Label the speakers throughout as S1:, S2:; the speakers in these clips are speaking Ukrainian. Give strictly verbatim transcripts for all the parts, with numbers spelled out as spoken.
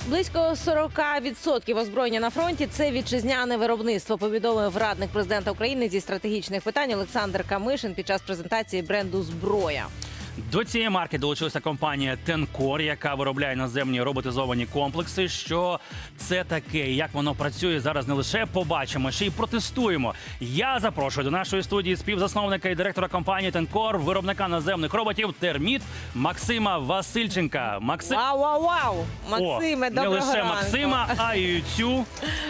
S1: Близько сорок відсотків озброєння на фронті – це вітчизняне виробництво, повідомив радник президента України зі стратегічних питань Олександр Камишин під час презентації бренду «Зброя».
S2: До цієї марки долучилася компанія «Тенкор», яка виробляє наземні роботизовані комплекси. Що це таке і як воно працює, зараз не лише побачимо, ще й протестуємо. Я запрошую до нашої студії співзасновника і директора компанії «Тенкор», виробника наземних роботів «Терміт» Максима Васильченка. Максим...
S1: Вау-вау-вау! Максиме,
S2: О,
S1: доброго
S2: не лише
S1: ранку.
S2: Максима, а й цю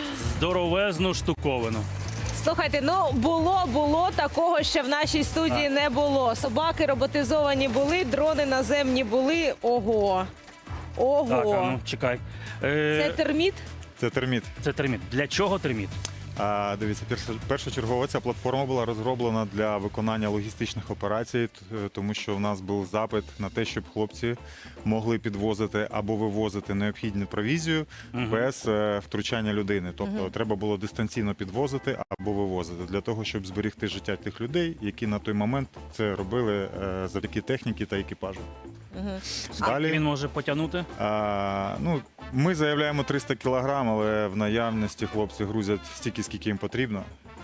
S2: здоровезну штуковину.
S1: Слухайте, ну було, було, такого ще в нашій студії не було. Собаки роботизовані були, дрони наземні були. Ого. Ого.
S2: Так, а ну, чекай. Е,
S1: Це терміт?
S3: Це терміт.
S2: Це терміт. Для чого терміт?
S3: А, дивіться, перша- першочергово ця платформа була розроблена для виконання логістичних операцій, т- тому що в нас був запит на те, щоб хлопці могли підвозити або вивозити необхідну провізію
S2: Мгм.
S3: без е, втручання людини. Тобто треба було дистанційно підвозити або вивозити для того, щоб зберегти життя тих людей, які на той момент це робили е, завдяки техніці та екіпажу.
S1: Угу.
S3: Далі
S2: Він може потягнути?
S3: А, ну, ми заявляємо триста кілограм, але в наявності хлопці грузять стільки, скільки їм потрібно,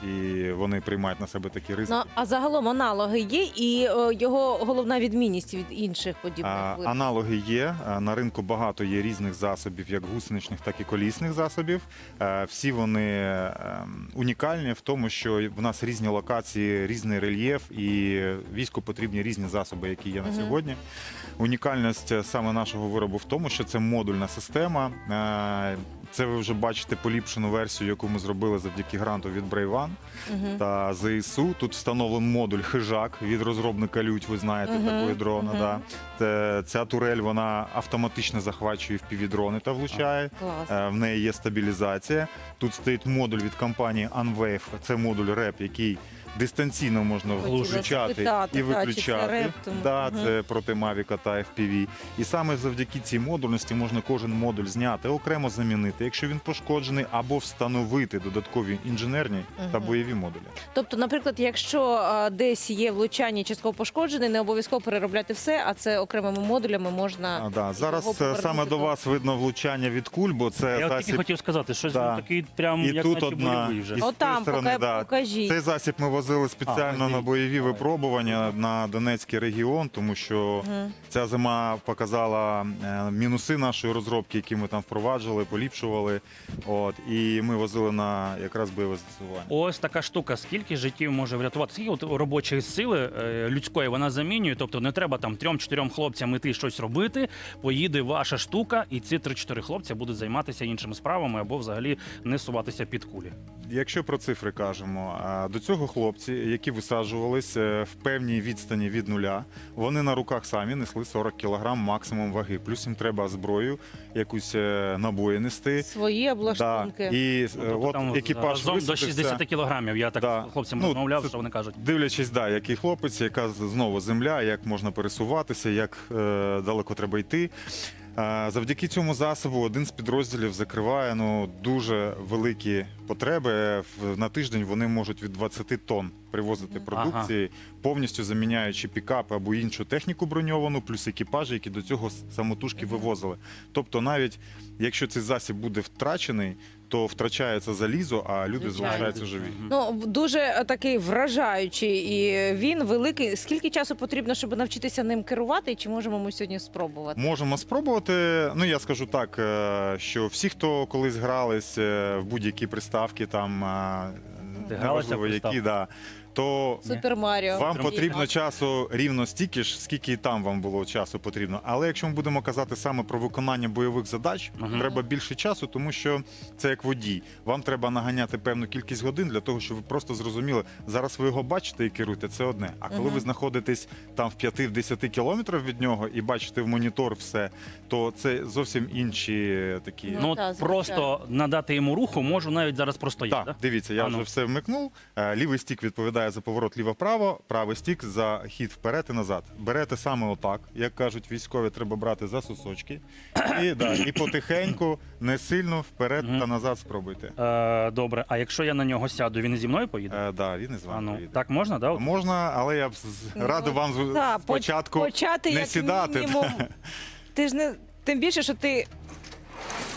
S3: і вони приймають на себе такі ризики.
S1: Ну, а загалом аналоги є і е, його головна відмінність від інших подібних
S3: А,
S1: виробів?
S3: аналоги є. А, На ринку багато є різних засобів, як гусеничних, так і колісних засобів. Е, Всі вони е, унікальні в тому, що в нас різні локації, різний рельєф, і війську потрібні різні засоби, які є на
S1: Мгм.
S3: сьогодні. Унікальність саме нашого виробу в тому, що це модульна система. Е, Це ви вже бачите поліпшену версію, яку ми зробили завдяки гранту від Брейван
S1: Мгм.
S3: та ЗСУ. Тут встановлений модуль «Хижак» від розробника «Лють», ви знаєте,
S1: Мгм,
S3: такої дрона.
S1: мгм.
S3: Да. Це- Ця турель, вона автоматично захвачує впівдрони та влучає.
S1: Клас.
S3: Е, В неї є стабілізація. Тут стоїть модуль від компанії Unwave. Це модуль РЕП, який дистанційно можна
S1: Хотіла
S3: включати
S1: спитати,
S3: і
S1: та, чи це
S3: виключати.
S1: реп, тому-
S3: Да,
S1: Мгм.
S3: це проти Mavic та еф пі ві. І саме завдяки цій модульності можна кожен модуль зняти, окремо замінити, якщо він пошкоджений, або встановити додаткові інженерні та
S1: Мгм.
S3: бойові модулі.
S1: Тобто, наприклад, якщо е, десь є влучання частково пошкоджене, не обов'язково переробляти все, а це окремими модулями можна.
S3: А, да.
S1: його
S3: Зараз е,
S1: повернути
S3: саме до вас видно влучання від куль, бо це
S2: Я от тільки
S3: засіб.
S2: хотів сказати, щось
S3: Да.
S2: він такий прям,
S3: І
S2: як
S3: тут
S2: наче
S3: одна
S2: бойовий вже.
S3: із
S1: Отам,
S3: тої сторони,
S1: пока-
S3: да.
S1: покажіть.
S3: Цей засіб ми возили спеціально
S2: А,
S3: на бойові
S2: давай.
S3: випробування на Донецький регіон, тому що
S1: Мгм.
S3: ця зима показала е, мінуси нашої розробки, які ми там впроваджували, поліпшували. От, і ми возили на якраз бойове застосування.
S2: Ось така штука. Скільки життів може врятувати? Скільки от робочої сили е, людської вона замінює? Тобто не треба там трьом-чотирьом хлопцям іти щось робити. Поїде ваша штука, і ці три-чотири хлопця будуть займатися іншими справами або взагалі не суватися під кулі.
S3: Якщо про цифри кажемо, а, до цього хлопці, які висаджувались е, в певній відстані від нуля, вони на руках самі несли сорок кілограм максимум ваги. Плюс їм треба зброю, якусь е, набої нести.
S1: Свої
S3: Да.
S1: облаштунки.
S3: І е,
S2: Тобто
S3: от
S2: там
S3: екіпаж
S2: разом до
S3: висадився.
S2: шістдесят кілограмів. Я так
S3: Да.
S2: з хлопцями
S3: Ну,
S2: розмовляв,
S3: це-
S2: що вони кажуть.
S3: Дивлячись, да, який хлопець, яка з- знову земля, як можна пересуватися, як е, далеко треба йти. Е, завдяки цьому засобу один з підрозділів закриває ну, дуже великі потреби. В- На тиждень вони можуть від двадцяти тонн привозити продукції, повністю заміняючи пікапи або іншу техніку броньовану, плюс екіпажі, які до цього с- самотужки вивозили. Тобто навіть якщо цей засіб буде втрачений, то втрачається залізо, а люди
S1: Звичайно.
S3: залишаються живі.
S2: Мгм.
S1: Ну, дуже е, такий вражаючий, і він великий. Скільки часу потрібно, щоб навчитися ним керувати, і чи можемо ми сьогодні спробувати?
S3: Можемо спробувати. Ну я скажу так, е, що всі, хто колись грались е, в будь-які приставки, там е,
S2: Ти гралася в
S3: неважливо які,
S2: приставки?
S3: да, то
S1: Супер Маріо.
S3: вам
S2: Трохи.
S3: потрібно часу рівно стільки ж, скільки і там вам було часу потрібно. Але якщо ми будемо казати саме про виконання бойових задач,
S2: Мгм.
S3: треба більше часу, тому що це як водій. Вам треба наганяти певну кількість годин для того, щоб ви просто зрозуміли, зараз ви його бачите і керуєте, це одне. А коли
S1: Мгм.
S3: ви знаходитесь там в п'яти-десяти кілометрах від нього і бачите в монітор все, то це зовсім інші такі.
S1: Ну,
S2: Ну,
S1: та,
S2: от
S1: звичайно.
S2: просто надати йому руху можу навіть зараз просто я.
S3: Так,
S2: Да?
S3: дивіться, я
S2: А ну.
S3: вже все вмикнув. Е, Лівий стік відповідає за поворот ліво-право, правий стік за хід вперед і назад. Берете саме отак, як кажуть військові, треба брати за сосочки. І, да, і потихеньку, не сильно вперед
S2: Мгм.
S3: та назад спробуйте.
S2: Е, добре, а якщо я на нього сяду, він зі мною поїде?
S3: Е, да, він із
S2: А
S3: вами
S2: ну,
S3: поїде.
S2: так можна, да? От?
S3: Можна, але я б з-
S1: Ну,
S3: радив вам з-
S1: та, поч-
S3: спочатку
S1: почати
S3: не
S1: як
S3: сідати.
S1: мінімум. Ти ж не тим більше, що ти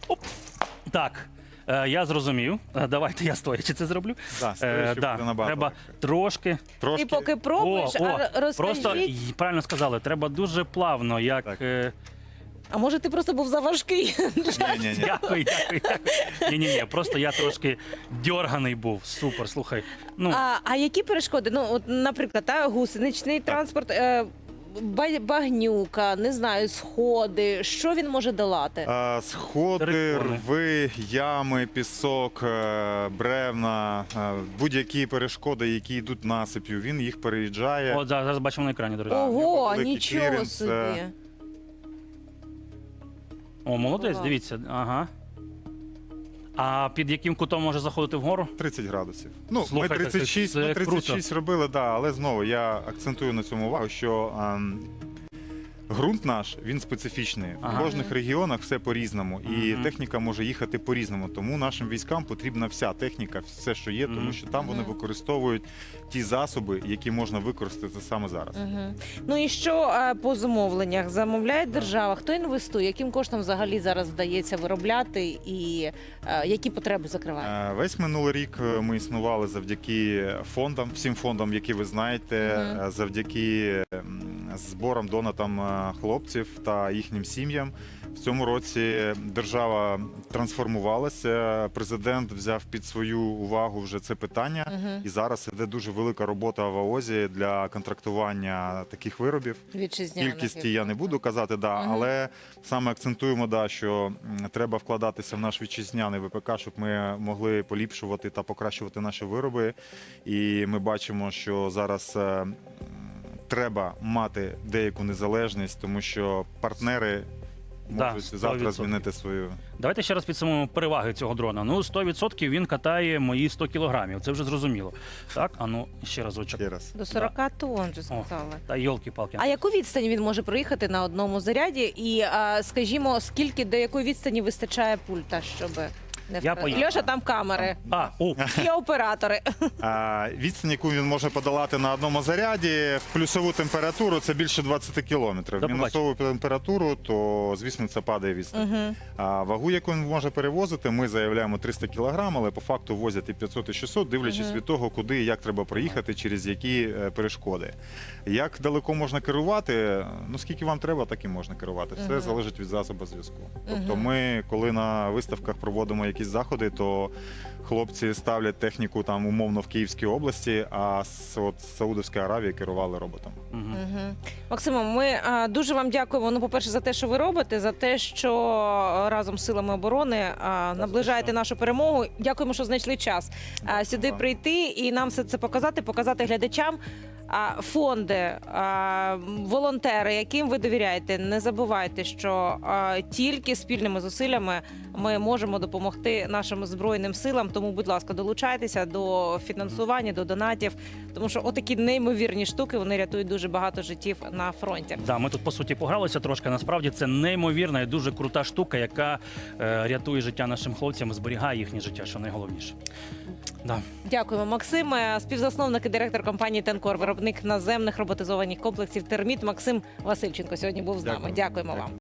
S2: Оп. Так. Е, Я зрозумів. Е, Давайте я стоячи це зроблю.
S3: Да, стоячи буде
S2: да,
S3: набагато
S2: треба
S3: легше.
S2: трошки.
S3: Трошки.
S1: Ти поки пробуєш,
S2: О, о,
S1: а розкажіть.
S2: Просто й- правильно сказали, треба дуже плавно, як.
S3: Так.
S2: е,
S1: А може ти просто був заважкий?
S3: Ні-ні-ні.
S2: Дякую, дякую, дякую. Ні, ні, ні, просто я трошки дьорганий був. Супер, слухай. Ну,
S1: А, а які перешкоди? Ну, от, наприклад, та, гусеничний транспорт, е, ба- багнюка, не знаю, сходи. Що він може долати?
S3: А, Сходи,
S2: Перепони.
S3: рви, ями, пісок, е, бревна, е, будь-які перешкоди, які йдуть насип'ю, він їх переїжджає.
S2: от зараз, зараз бачимо на екрані, до речі.
S3: в нього
S1: Ого,
S3: великий
S1: нічого
S3: кліренс,
S1: собі.
S3: е,
S2: О, молодець,
S1: Клас.
S2: дивіться. Ага. А під яким кутом може заходити вгору?
S3: тридцять градусів. Ну,
S2: Слухайте,
S3: ми тридцять шість,
S2: це
S3: ми тридцять шість
S2: круто.
S3: робили, да, але знову я акцентую на цьому увагу, що ем, ґрунт наш, він специфічний.
S2: Ага.
S3: В кожних регіонах все по-різному, і
S2: Мгм.
S3: техніка може їхати по-різному. Тому нашим військам потрібна вся техніка, все, що є,
S2: Мгм.
S3: тому що там вони
S1: Мгм.
S3: використовують ті засоби, які можна використати саме зараз.
S1: Угу. Ну і що е, по замовленнях? Замовляє держава? Хто інвестує? Яким коштом взагалі зараз вдається виробляти і е, які потреби закриває?
S3: Е, Весь минулий рік е, ми існували завдяки фондам, всім фондам, які ви знаєте,
S1: Мгм.
S3: е, завдяки м, зборам, донатам е, хлопців та їхнім сім'ям. В цьому році держава трансформувалася. Президент взяв під свою увагу вже це питання,
S1: Угу.
S3: і зараз іде дуже велика робота в АОЗі для контрактування таких виробів.
S1: Вітчизняних.
S3: Кількості я не буду казати, да,
S1: Мгм.
S3: але саме акцентуємо, да, що м, треба вкладатися в наш вітчизняний ВПК, щоб ми могли поліпшувати та покращувати наші вироби. І ми бачимо, що зараз е, м, треба мати деяку незалежність, тому що партнери
S2: Да,
S3: можуть
S2: сто
S3: завтра
S2: відсотків.
S3: змінити свою.
S2: Давайте ще раз підсумуємо переваги цього дрона. Ну, сто відсотків він катає мої сто кілограмів. Це вже зрозуміло. Так, а ну ще разочок.
S3: Ще раз.
S1: До сорока тонн, вже сказали.
S2: Та йолки-палки.
S1: А яку відстань він може проїхати на одному заряді? І, а, скажімо, скільки до якої відстані вистачає пульта, щоб не
S2: Я
S1: втратити?
S2: поїхав.
S1: Льоша, там камери.
S2: А, о,
S1: Є оператори.
S3: А, відстань, яку він може подолати на одному заряді, в плюсову температуру це більше двадцять кілометрів.
S2: До
S3: В мінусову температуру, то звісно це падає відстань.
S1: Угу.
S3: А вагу, яку він може перевозити, ми заявляємо триста кілограм, але по факту возять і п'ятсот, і шістсот, дивлячись
S1: Мгм.
S3: від того, куди і як треба проїхати, через які е, перешкоди. Як далеко можна керувати? Ну скільки вам треба, так і можна керувати. Все
S1: Мгм.
S3: залежить від засобу зв'язку. Тобто,
S1: Мгм.
S3: ми, коли на виставках проводимо якісь заходи, то хлопці ставлять техніку там умовно в Київській області, а з от з Саудовської Аравії керували роботом.
S2: Мгм.
S1: Угу. Максимо, ми а, дуже вам дякуємо. Ну, по-перше, за те, що ви робите, за те, що разом з силами оборони а, наближаєте нашу перемогу. Дякуємо, що знайшли час а, сюди
S3: вам.
S1: прийти і нам все це показати, показати глядачам. А, фонди, а, волонтери, яким ви довіряєте, не забувайте, що а, тільки спільними зусиллями ми можемо допомогти нашим збройним силам. Тому, будь ласка, долучайтеся до фінансування, до донатів, тому що отакі неймовірні штуки вони рятують дуже багато життів на фронті.
S2: Да, ми тут по суті погралися трошки. Насправді це неймовірна і дуже крута штука, яка е, рятує життя нашим хлопцям, зберігає їхнє життя, що найголовніше. Да.
S1: Дякуємо, Максим, Е, співзасновник і директор компанії «Тенкор», виробник наземних роботизованих комплексів «Терміт». Максим Васильченко сьогодні був з нами.
S3: Дякую.
S1: Дякуємо
S3: Дякую.
S1: вам.